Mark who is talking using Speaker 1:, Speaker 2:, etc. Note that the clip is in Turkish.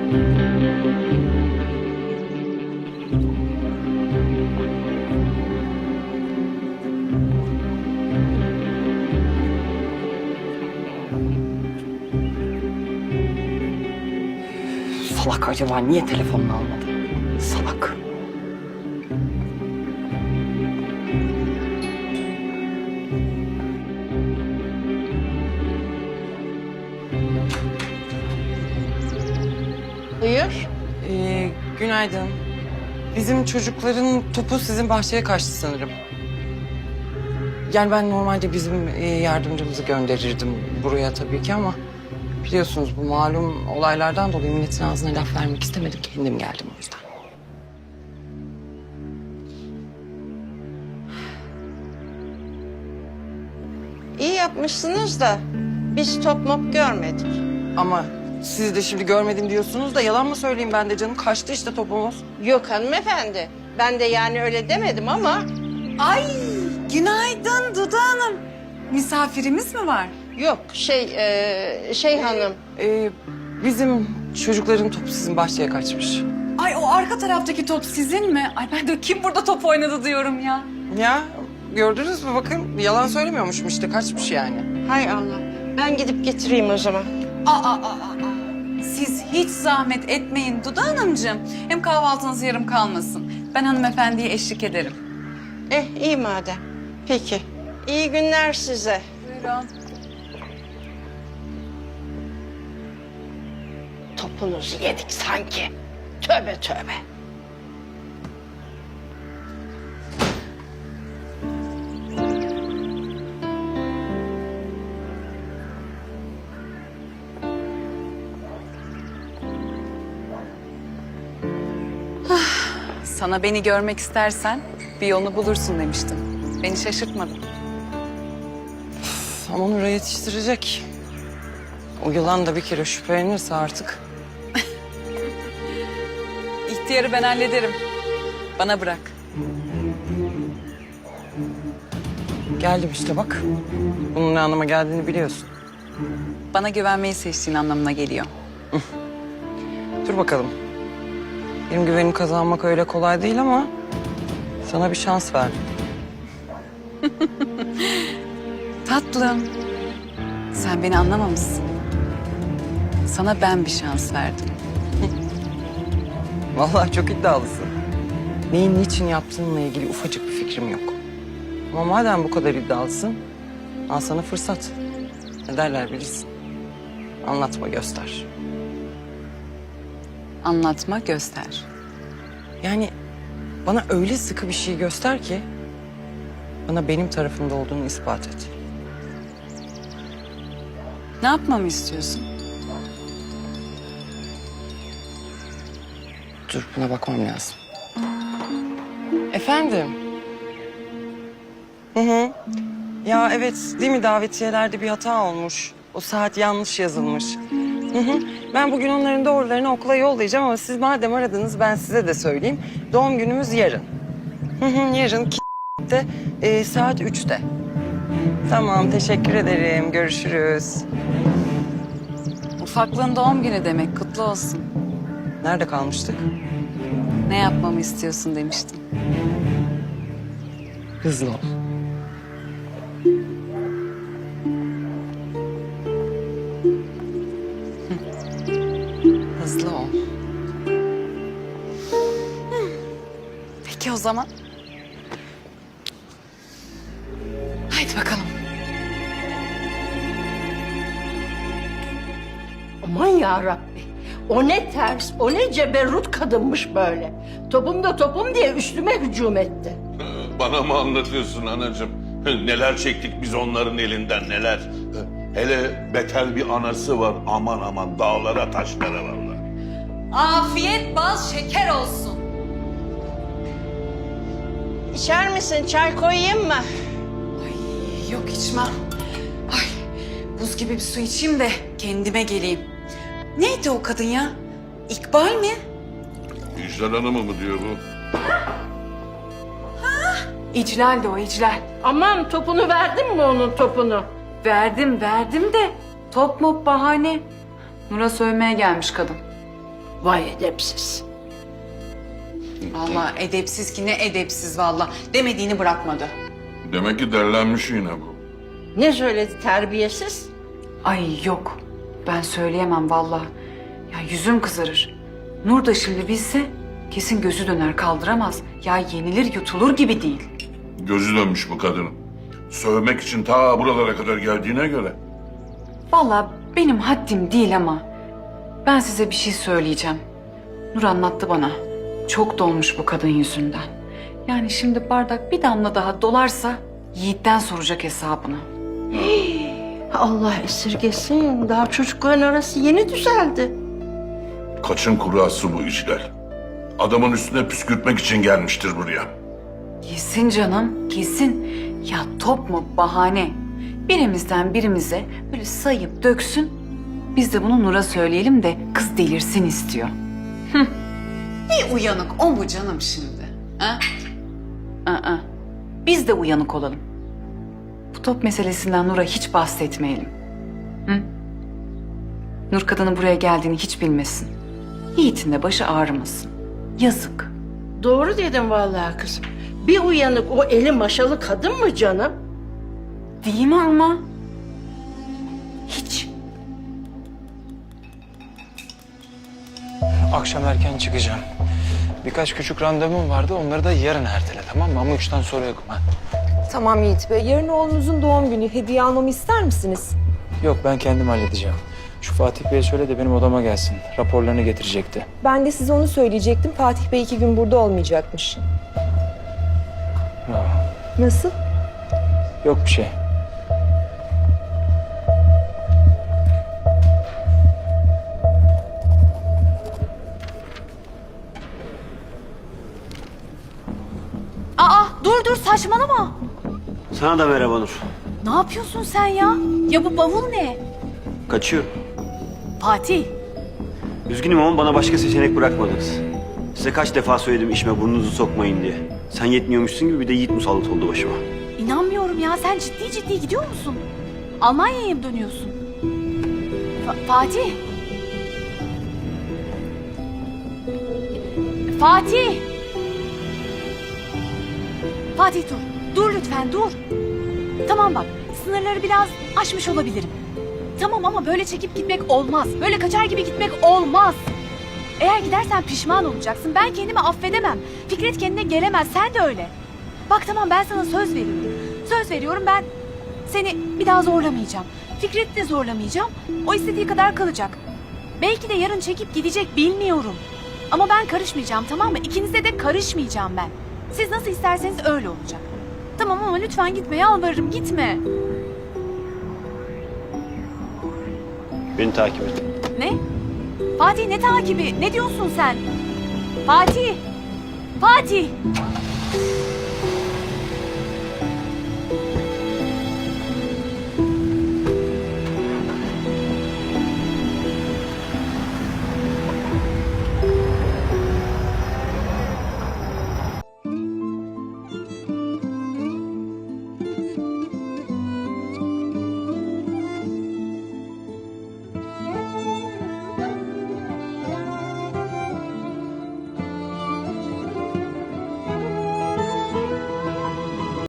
Speaker 1: Salak acaba niye telefonunu almadı? Salak.
Speaker 2: Buyur.
Speaker 1: Günaydın. Bizim çocukların topu sizin bahçeye kaçtı sanırım. Yani ben normalde bizim yardımcımızı gönderirdim buraya tabii ki ama... Biliyorsunuz bu malum olaylardan dolayı milletin ağzına laf vermek istemedim. Kendim geldim o yüzden.
Speaker 2: İyi yapmışsınız da biz top mop görmedik.
Speaker 1: Ama siz de şimdi görmedim diyorsunuz da yalan mı söyleyeyim ben de canım? Kaçtı işte topumuz.
Speaker 2: Yok hanımefendi. Ben de yani öyle demedim ama
Speaker 3: Ay, günaydın Dudu Hanım. Misafirimiz mi var?
Speaker 2: yok şey hanım.
Speaker 1: Bizim çocukların topu sizin bahçeye kaçmış.
Speaker 3: Ay o arka taraftaki top sizin mi? Ay ben de kim burada top oynadı diyorum ya.
Speaker 1: Ya gördünüz mü bakın yalan söylemiyormuşum işte kaçmış yani.
Speaker 2: Hay Allah. Ben gidip getireyim o zaman.
Speaker 3: Aa. Siz hiç zahmet etmeyin Dudu Hanımcığım. Hem kahvaltınız yarım kalmasın. Ben hanımefendiye eşlik ederim.
Speaker 2: İyi madem. Peki. İyi günler size.
Speaker 3: Buyurun.
Speaker 2: Topunuzu yedik sanki. Tövbe tövbe.
Speaker 3: Sana beni görmek istersen bir yolunu bulursun demiştim. Beni şaşırtmadın.
Speaker 1: Ama Nur'a yetiştirecek. O yılan da bir kere şüphelenirse artık.
Speaker 3: İhtiyarı ben hallederim. Bana bırak.
Speaker 1: Geldim işte bak. Bunun ne anlama geldiğini biliyorsun.
Speaker 3: Bana güvenmeyi seçtiğin anlamına geliyor.
Speaker 1: Dur bakalım. Benim güvenimi kazanmak öyle kolay değil ama... ...sana bir şans verdim.
Speaker 3: Tatlım, sen beni anlamamışsın. Sana ben bir şans verdim.
Speaker 1: Vallahi çok iddialısın. Neyin niçin yaptığınla ilgili ufacık bir fikrim yok. Ama madem bu kadar iddialısın... ...al sana fırsat. Ne derler bilirsin. Anlatma göster.
Speaker 3: Anlatma, göster.
Speaker 1: Yani bana öyle sıkı bir şey göster ki... ...bana benim tarafımda olduğunu ispat et.
Speaker 3: Ne yapmamı istiyorsun?
Speaker 1: Dur buna bakmam lazım. Efendim? Hı. Ya evet değil mi davetiyelerde bir hata olmuş. O saat yanlış yazılmış. Hı. Ben bugün onların doğrularını okula yollayacağım ama siz madem aradınız ben size de söyleyeyim. Doğum günümüz yarın. Yarın saat 3'te. Tamam teşekkür ederim. Görüşürüz.
Speaker 3: Ufaklığın doğum günü demek, kutlu olsun.
Speaker 1: Nerede kalmıştık?
Speaker 3: Ne yapmamı istiyorsun demiştim.
Speaker 1: Hızlı ol. Hızlı ol.
Speaker 3: Peki o zaman. Haydi bakalım.
Speaker 2: Aman yarabbi. O ne ters, o ne ceberrut kadınmış böyle. Topum da topum diye üstüme hücum etti.
Speaker 4: Bana mı anlatıyorsun anacığım? Neler çektik biz onların elinden neler. Hele beter bir anası var aman aman dağlara taşlara vallahi.
Speaker 3: Afiyet bal şeker olsun.
Speaker 2: İçer misin? Çay koyayım mı?
Speaker 3: Ay yok içmem. Ay buz gibi bir su içeyim de kendime geleyim. Neydi o kadın ya? İkbal mi?
Speaker 4: İclal Hanım'ı mı diyor bu?
Speaker 3: İclal de o İclal.
Speaker 2: Aman topunu verdin mi onun topunu?
Speaker 3: Verdim de top mop bahane. Nur'a sövmeye gelmiş kadın.
Speaker 2: Vay edepsiz.
Speaker 3: Vallahi edepsiz ki ne edepsiz vallahi. Demediğini bırakmadı.
Speaker 4: Demek ki derlenmiş yine bu.
Speaker 2: Ne söyledi terbiyesiz?
Speaker 3: Ay yok. Ben söyleyemem vallahi. Ya yüzüm kızarır. Nur da şimdi bilse kesin gözü döner kaldıramaz. Ya yenilir yutulur gibi değil.
Speaker 4: Gözü dönmüş bu kadının. Sövmek için ta buralara kadar geldiğine göre.
Speaker 3: Vallahi benim haddim değil ama ben size bir şey söyleyeceğim. Nur anlattı bana. Çok dolmuş bu kadın yüzünden. Yani şimdi bardak bir damla daha dolarsa Yiğit'ten soracak hesabını.
Speaker 2: Allah esirgesin. Daha çocukların arası yeni düzeldi.
Speaker 4: Kaçın kurası bu işler. Adamın üstüne püskürtmek için gelmiştir buraya.
Speaker 3: Kesin canım, kesin. Ya top mu bahane? Birimizden birimize böyle sayıp döksün. Biz de bunu Nur'a söyleyelim de kız delirsin istiyor. Bir uyanık o mu canım şimdi? Ha? Aa, biz de uyanık olalım. Bu top meselesinden Nur'a hiç bahsetmeyelim. Hı? Nur kadının buraya geldiğini hiç bilmesin. Yiğit'in de başı ağrımasın. Yazık.
Speaker 2: Doğru dedim vallahi kızım. Bir uyanık o eli maşalı kadın mı canım?
Speaker 3: Değil mi ama? Hiç.
Speaker 5: Akşam erken çıkacağım. Birkaç küçük randevum vardı. Onları da yarın ertele, tamam mı? Ama 3'ten sonra yokum ha.
Speaker 6: Tamam Yiğit Bey. Yarın oğlunuzun doğum günü. Hediye almamı ister misiniz?
Speaker 5: Yok, ben kendim halledeceğim. Şu Fatih Bey'e söyle de benim odama gelsin. Raporlarını getirecekti.
Speaker 6: Ben de size onu söyleyecektim. Fatih Bey 2 gün burada olmayacakmış.
Speaker 5: Bravo.
Speaker 6: Nasıl?
Speaker 5: Yok bir şey.
Speaker 7: Aa dur saçmalama.
Speaker 8: Sana da merhaba Nur.
Speaker 7: Ne yapıyorsun sen ya? Ya bu bavul ne?
Speaker 8: Kaçıyorum.
Speaker 7: Fatih.
Speaker 8: Üzgünüm ama bana başka seçenek bırakmadınız. Size kaç defa söyledim işime burnunuzu sokmayın diye. Sen yetmiyormuşsun gibi bir de Yiğit musallat oldu başıma.
Speaker 7: İnanmıyorum ya, sen ciddi gidiyor musun? Almanya'ya mı dönüyorsun? Fatih. Fatih. Fatih dur. Dur lütfen dur. Tamam bak, sınırları biraz aşmış olabilirim. Tamam ama böyle çekip gitmek olmaz. Böyle kaçar gibi gitmek olmaz. Eğer gidersen pişman olacaksın. Ben kendimi affedemem. Fikret kendine gelemez. Sen de öyle. Bak tamam, ben sana söz veriyorum. Söz veriyorum, ben seni bir daha zorlamayacağım. Fikret'i de zorlamayacağım. O istediği kadar kalacak. Belki de yarın çekip gidecek, bilmiyorum. Ama ben karışmayacağım, tamam mı? İkinize de karışmayacağım ben. Siz nasıl isterseniz öyle olacak. Tamam ama lütfen gitme, yalvarırım, gitme.
Speaker 8: Beni takip et.
Speaker 7: Ne? Fatih, ne takibi? Ne diyorsun sen? Fatih! Fatih!